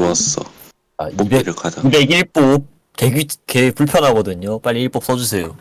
넣었어. 아, 200, 뽑기를 가자. 201뽑. 개 불편하거든요. 빨리 1뽑 써주세요.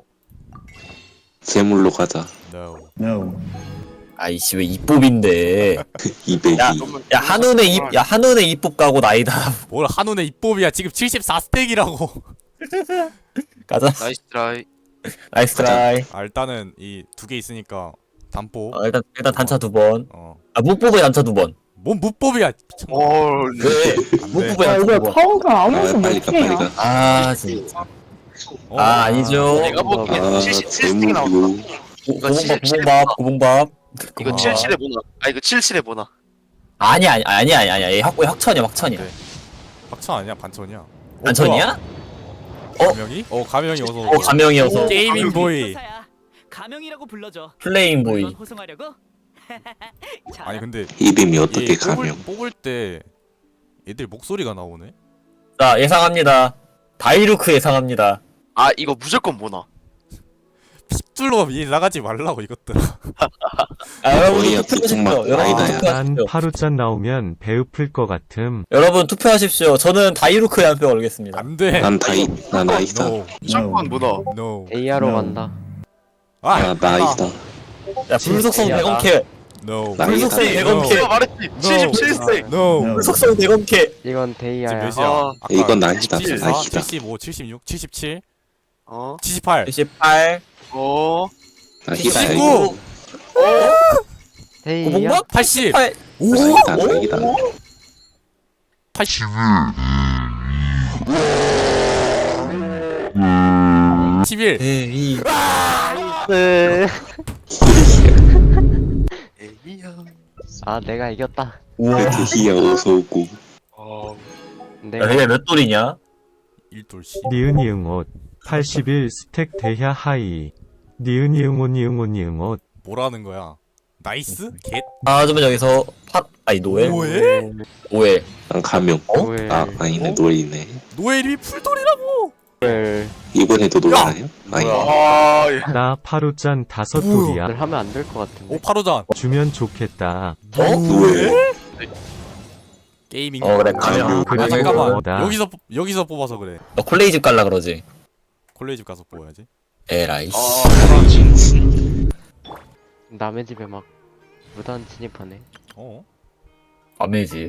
재물로 가자. No. No. 아이씨, 왜 2뽑인데. 200이. 야, 한운에 2뽑 가고 나이다. 뭘 한운의 입법이야. 지금 74스택이라고. 가자. 나이스 트라이. 나이스 트라이. 아, 일단은 이 두 개 있으니까 단보. 일단 단차 2번. 어. 아, 무법에 단차 2번. 뭔 무법이야. 헐. 왜? 안 무법에 돼. 야, 단차 이거 2번. 카운터 아무것도 빨리 가, 못해요. 빨리 가. 아, 진짜. 어. 아, 아니죠. 내가 보기에는 아, 77스틱 나왔다. 재물로. 고봉밥. 이거 아. 77에 뭐나? 아 이거 77에 뭐나? 아니야. 얘 확천이야. 네. 박천 아니야? 반천이야? 반천이야? 가명이? 가명이 어서 오고. 가명이어서. 게이밍 보이. 가명이라고 불러줘. 플레잉 보이. 물론 호송하려고? 아니 근데 이름이 어떻게 얘 가면? 뽑을 때 애들 목소리가 나오네. 자, 예상합니다. 다이루크 예상합니다. 아 이거 무조건 뭐나? 핏줄로 위 나가지 말라고 이것들. 여러분 거의야, 투표하십시오. 막 여러분 아이다야. 난 투표하십시오. 파루짠 나오면 배고플 것 같음. 여러분 투표하십시오. 저는 다이루크에 한 표 걸겠습니다. 안 돼. 난 나이다. No. 무조건 뭐나? No. 데이아로 No. 간다. 나 나이다. 야, 불속성 진짜야. 대검캐. No. 나 불속성 나이다. 대검캐. 내가 말했지. 77스틱. No. No. 불속성 대검캐. 이건 지금 데이아야. 몇이야? 아, 아까 이건 나이다, 74, 나이다. 75, 76, 77, 어. 78, 28. 어. 나 히다야. 19. 데이아. 고봉밥? 80. 8. 오. 나이다, 나이다. 80. 11. 에이. 네. 에이야. 아 내가 이겼다. 우와. 히야 어서 오고. 어. 내가 야, 얘몇 돌이냐? 1돌씨. 니은이응옷 81 스택 대야 하이. 니은이응옷. 뭐라는 거야? 나이스? 겟? 그러면 여기서 노엘? 뭐해? 오엘. 난 가명. 노엘. 아니네, 노엘이네. 노엘이 풀돌이라고! 를 이번에도 노엘하냐? 아니. 아. 예. 나 파루짠 5 우와. 돌이야. 하면 안 될 것 같은데. 오, 파로잔. 주면 좋겠다. 노엘. 게이밍. 그래, 가명. 아, 그리고 잠깐만. 뭐다. 여기서 뽑아서 그래. 너 콜레이 집 갈라 그러지? 콜레지 가서 뽑아야지. 에라이. 남의 집에 막 무단 진입하네. 밤의 집.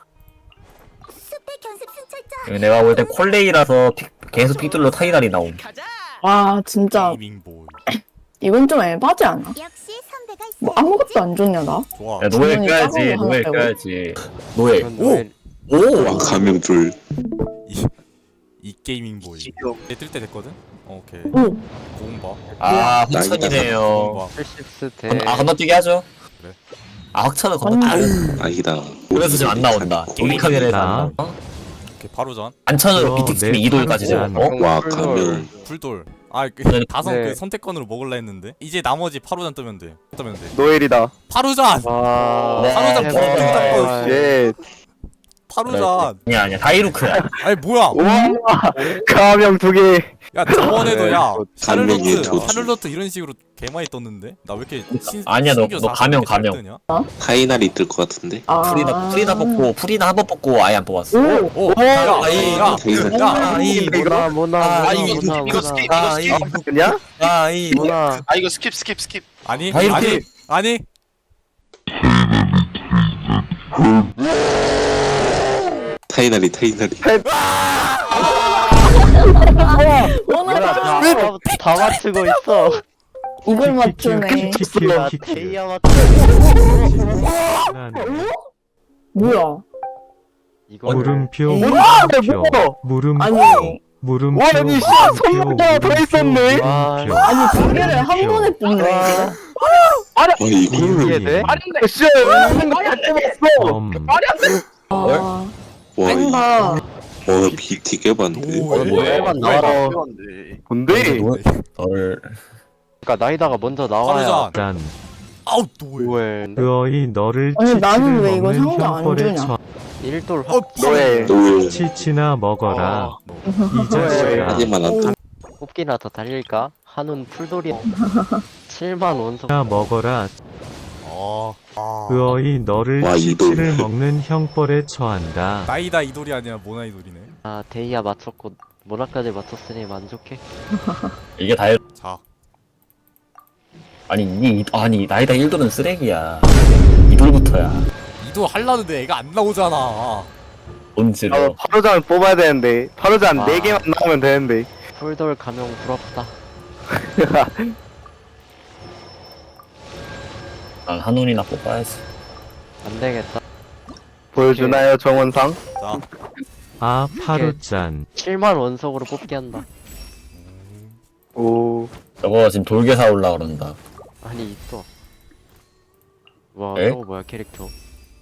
내가 볼 땐 콜레이라서 계속 픽들로 타이날이 나옴. 가자. 와, 진짜 게이밍 보이. 이건 좀 에바지 않아? 뭐 아무것도 안 좋냐 나? 좋아. 야, 노엘 주머니 껴야지. 작은 거 노엘 하나 껴야지. 노엘. 이건 노엘. 와, 가명 둘. 이 게이밍 보이. 지금. 뜰때 됐거든? 오케이. 오. 고음바. 확천이네요. 고음바. 80스택. 건너뛰기 하죠. 그래. 확천은 건너뛰기. 아니다. 그래서 지금 안 나온다. 게임 카메라에서 안 나. 나온다. 오케이, 바로잔. 안천으로 내 BTX 2돌까지 되고. 파루짠. 와, 가명. 풀돌. 네. 다섯 네. 그 선택권으로 먹을라 했는데 이제 나머지 파루잔 뜨면 돼. 노엘이다. 파루잔. 와. 파루잔 대박. 포스터 예. 파루잔. 아니야. 다이루크야. 아니 뭐야? 가명 두 개. 야 저번에도 야 가명이 좋지. 샤를로트 이런 식으로 개 많이 떴는데 나 왜 이렇게 아니야, 너 가명. 타이날이 뜰 것 같은데. 프리나 한 번 뽑고 아예 안 뽑았어. 오. 오. 야. 타이날. 모나. 이거 스킵. 그냥? 모나. 아 이거 스킵. 아니 아, 이렇게. 아니. 타이날이. 오늘 다 맞추고 있어. 이걸 맞추네. 야, 데이아 맞추. 뭐야? 이거 물음표 물음표 아니, 물음표 아니, 선물가 더 있었네. 와. 아니 두 개를 한 번에 뽑네. 와, 이거를. 이해돼? 아닌데 씨. 말이 안 되겠어. 아, 와, 뺀다. BT 깨봤는데. 노엘만 나와라. 뭔데? 너를 그러니까 나이다가 먼저 나와야. 파루잔. 짠. 아우 노엘. 노엘. 그어이 너를 아니, 나는 치치를 왜 이거 먹는 상자 안 형벌에 주냐? 처. 1돌 노엘. 노엘. 치치나 먹어라. 이 자식아. 하지만 안 타. 뽑기나 더 달릴까? 한운 풀돌이 7만 원석. 나 먹어라. 그어이 너를 와, 이돌. 치치를 먹는 형벌에 처한다. 나이다 이돌이 아니라 모나이돌이네. 아 데이야 맞췄고 모나까지 맞췄으니 만족해. 이게 다 자, 아니 나이다 1돌은 쓰레기야. 2돌부터야. 이돌 할라는데 애가 안 나오잖아. 본질로. 파로잔 뽑아야 되는데 파로잔 아. 4개만 나오면 되는데 폴돌 가명 부럽다. 난 한눈이나 뽑아야지. 안 되겠다. 보여주나요 정원상? 자, 아 파루짠. 7만 원석으로 뽑기 한다. 오 저거 지금 돌개 사올라 그런다. 아니 있어. 와 에? 저거 뭐야 캐릭터.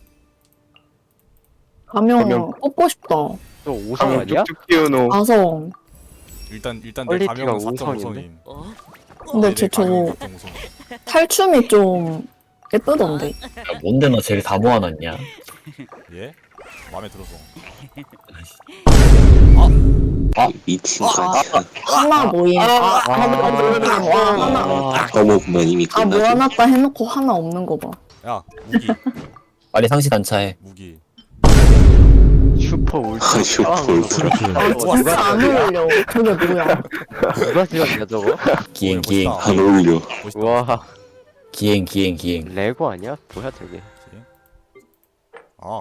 가명 가명. 뽑고 싶다. 저 5성 가면 아니야? 쭉쭉 키우노 아성. 일단 내 퀄리티가 가명은 우성인데? 4.5성임. 어? 근데 쟤 저거 탈춤이 좀 예쁘던데. 야, 뭔데 너 쟤를 다 모아놨냐? 예? 마음에 들어서. 미친 거 아니야. 하나 모임. 하나 모임. 와, 하나. 너무 보면 이미 아, 끝나지. 모아놨다 해놓고 하나 없는 거 봐. 야, 무기, 빨리 상시 단차해. 무기. 슈퍼 울트라. 아, 슈퍼 울트라. 진짜 안 어울려. 저게 뭐야. 누가 지었냐 저거? 기행 멋있다. 안 어울려. 멋있다. 와 기행. 레고 아니야? 뭐야 저게? 아,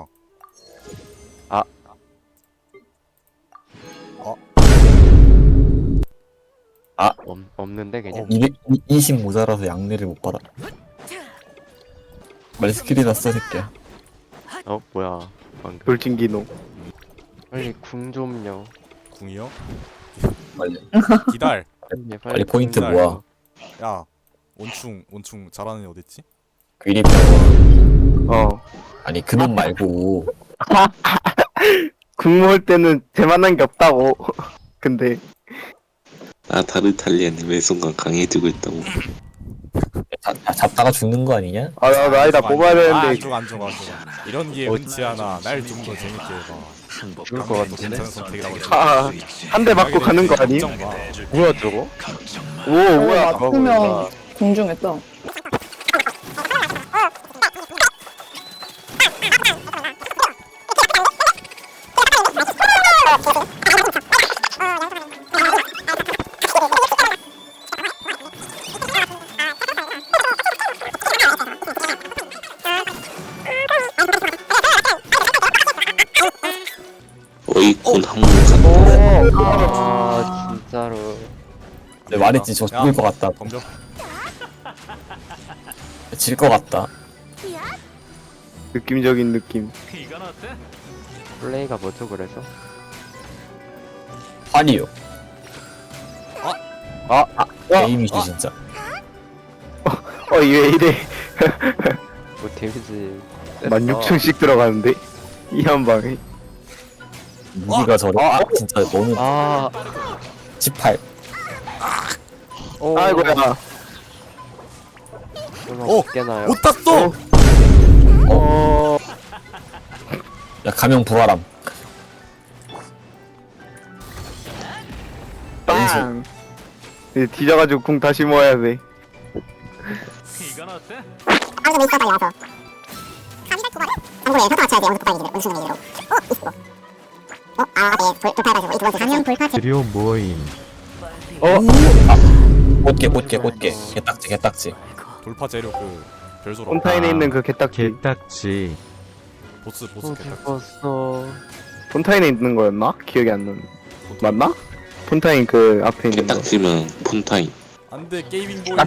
없는데 그냥. 220 모자라서 양내를 못 받아. 빨리 스킬이나 써 새끼야. 어 뭐야 방금. 돌진기노 빨리 궁 좀요. 궁이요? 빨리. 기다려. 빨리 포인트 궁 모아. 야, 원충 잘하는 애 어딨지? 귀리병원. 어 아니 그놈 말고. 국모할 때는 제만한 게 없다고 근데 아, 다르탈리안이 왜 순간 강해지고 있다고. 잡다가 죽는 거 아니냐? 아 나 아니다 뽑아야 되는데 안 좋아. 이런 게 흔치 않아. 날 좀 더 재밌게 해봐. 죽을 것 같은데. 괜찮은 선택이라고 한 대 맞고 가는 거 아니? 걱정 마. 뭐야 저거? 오 뭐야 맞으면 공중했다. 어이콘 한번 갔다. 아 진짜로. 내가 말했지 저 죽을 것 같다. 덤벼. 질 것 같다. 느낌적인 느낌 이건 어때? 플레이가 뭐죠 그래서? 환희요. 게임이지 아. 진짜. 왜 이래 뭐 데미지 16,000씩 들어가는데 이 한 방에 무기가 저래. 진짜 너무. 아 18. 아이고야 오! 깨나요? 못 땄어! 야 가명 불화람. 빵 이제 뒤져가지고 궁 다시 모아야 돼 이건 어때? 드려 모임. 꽃게. 개딱지. 돌파 재료 그 별소라. 폰타인에 있는 그 개딱지 개딱지. 보스 또 개딱. 죽었어. 폰타인에 있는 거였나? 기억이 안 나는 맞나? 폰타인 그 앞에 있는 거 개딱지면 폰타임. 안돼 게이밍 보이.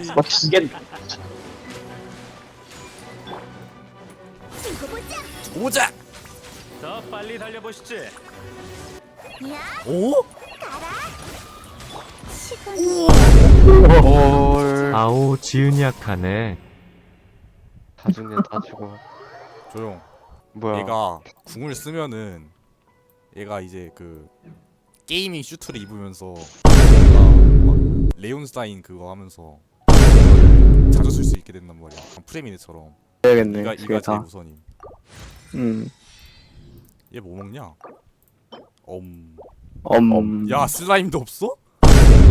오자. 더 빨리 달려보시지. 오? 헐. 아오 지은약하네. 다 죽네 다 죽어. 조용. 뭐야? 얘가 궁을 쓰면은 얘가 이제 그 게이밍 슈트를 입으면서 얘가 막 레온스타인 그거 하면서 이거를 자주 쓸 수 있게 된단 말이야. 프레미네처럼. 해야겠네 이가 그게 제일 다 우선임. 얘 뭐 먹냐? 야 슬라임도 없어?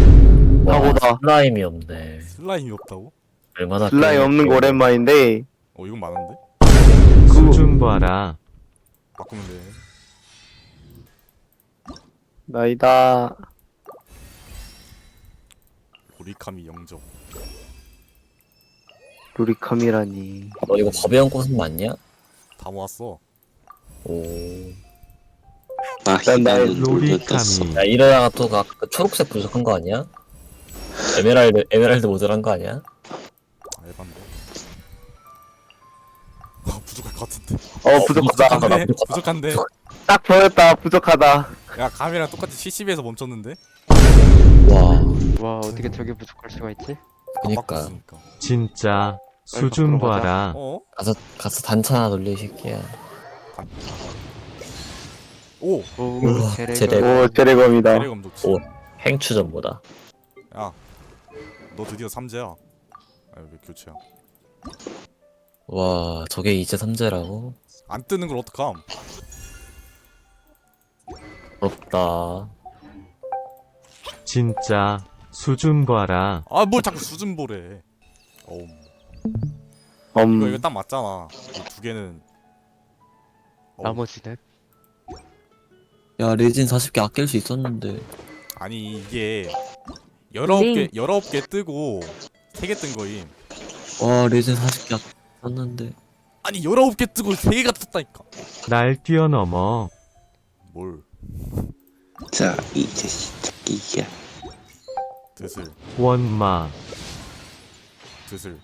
하고다 슬라임이 없네. 슬라임이 없다고? 얼마나 슬라임 없는 거 오랜만인데 이건 많은데? 수준 봐라. 바꾸면 돼. 나이다. 오리카미 영접. 루리카미라니. 너 이거 법의 꽃은 맞냐? 다 모았어. 오. 나 난 나의 희망은 돌려 떴어. 로리카미. 야 이러다가 또 그 초록색 부족한 거 아니야? 에메랄드 모델한 거 아니야? 에반데. 부족할 것 같은데. 부족하다. 부족한데? 부족한데? 딱 보였다. 부족하다. 야 감이랑 똑같이 70에서 멈췄는데? 와. 와 어떻게 저게 부족할 수가 있지? 안 그니까. 바꿨으니까. 진짜 수준 들어가자. 봐라. 어? 가서 단차 하나 돌려 이 새끼야. 오! 오 우와, 제레가 제레. 오, 제레검이다. 대리검 좋지. 오. 행추전보다. 야, 너 드디어 삼재야. 아, 왜 교체야? 와 저게 이제 삼재라고? 안 뜨는 걸 어떡함? 부럽다. 진짜 수준 봐라. 아, 뭘 자꾸 수준 보래. 이거 딱 맞잖아. 이 두 개는. 나머지는 야 레진 40개 아낄 수 있었는데. 아니 이게 19개 뜨고 3개 뜬 거임. 와 레진 40개 아꼈는데. 아니 19개 뜨고 3개가 떴다니까. 날 뛰어넘어. 뭘? 자, 이제 시작이야. 드슬. 원마. 드슬.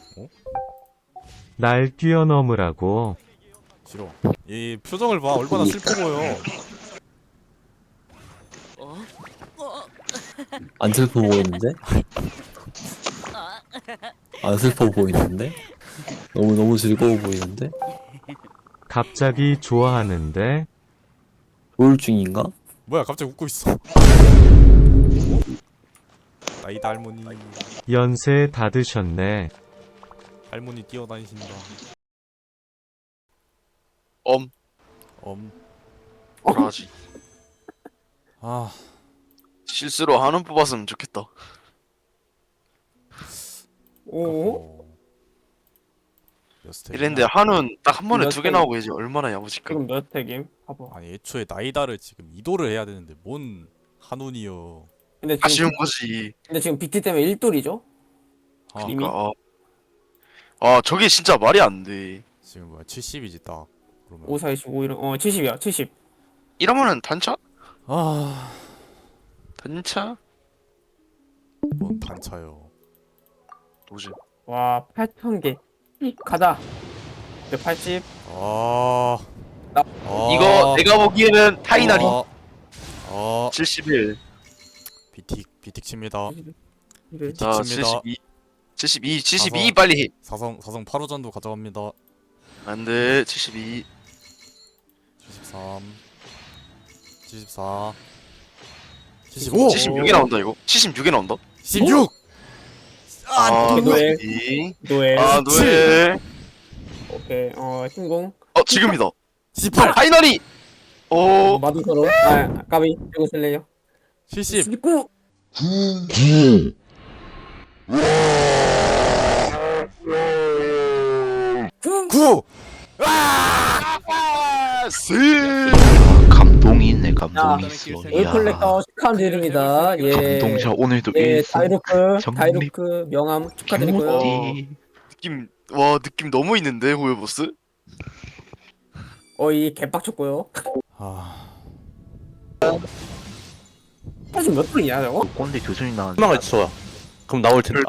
날 뛰어넘으라고. 싫어. 이 표정을 봐. 얼마나 슬퍼 보여. 안 슬퍼 보이는데? 안 슬퍼 보이는데? 너무 즐거워 보이는데? 갑자기 좋아하는데. 우울증인가? 뭐야 갑자기 웃고 있어. 나이다 할머니. 연세 다 드셨네. 할머니 뛰어다니신다. 엄. 뭐라지? 아, 실수로 한원 뽑았으면 좋겠다. 오. 몇 스택이야? 이랬는데 한원 딱 한 번에 몇 2개 팩? 나오고 이제 얼마나 야무질까? 지금 몇 팩임? 봐봐. 아니 애초에 나이다를 지금 이도를 해야 되는데 뭔 한운이여. 근데 아쉬운 거지. 근데 지금 BT 때문에 1돌이죠? 아, 이미? 그러니까 저게 진짜 말이 안 돼. 지금 뭐야 70이지 딱. 그러면 5, 4, 25, 이런 70이야 70. 이러면은 단차? 아, 단차? 뭔 단차요. 뭐지? 와 8,000개. 가자. 180. 아, 나- 이거 내가 보기에는 타이나리 아, 71. 비틱 칩니다. 이래. 자 칩니다. 72 가서. 빨리 해. 사성 8호전도 가져갑니다. 안돼 72. 73, 74, 75, 76에 나온다 이거. 76에 나온다. 16. 노엘. 노예. 노엘. 노예. 오케이. 신공. 지금이다. 18, 타이나리. 오. 마두서로. 까비. 이거 쓸래요? 70. 19. 구. 감동이 있네. 감동이 있어. 올컬렉터 축하드립니다. 예. 오늘도 예, 다이루크 명함 축하드리고요. 느낌 너무 있는데 호요보스? 이 개빡쳤고요. 아, 사실 몇 돌이냐 저거? 꼰대 교수님 나왔네. 희망을 쳐야 그럼 나올 텐데.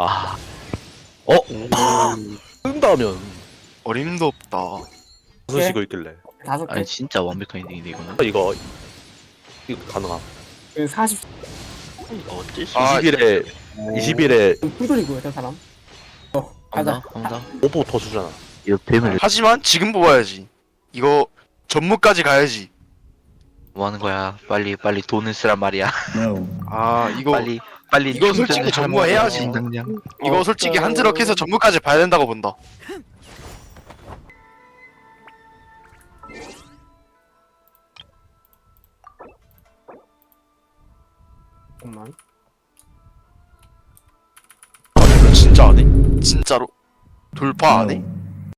뜬다면 어림도 없다. 무슨 식으로 있길래 5개. 진짜 완벽한 인생인데 이거는. 이거 가능함. 40. 어쩔 20일에 풀돌이고요 저 사람. 가자. 오버 더 주잖아. 하지만 지금 뽑아야지. 이거 전무까지 가야지. 뭐 하는 거야? 빨리 돈을 쓰란 말이야. 이거 빨리 이거 솔직히 전무해야지. 이거 솔직히 한 트럭 해서 전무까지 봐야 된다고 본다. 잠깐만. 이거 진짜 안 해? 진짜로? 돌파 안 해?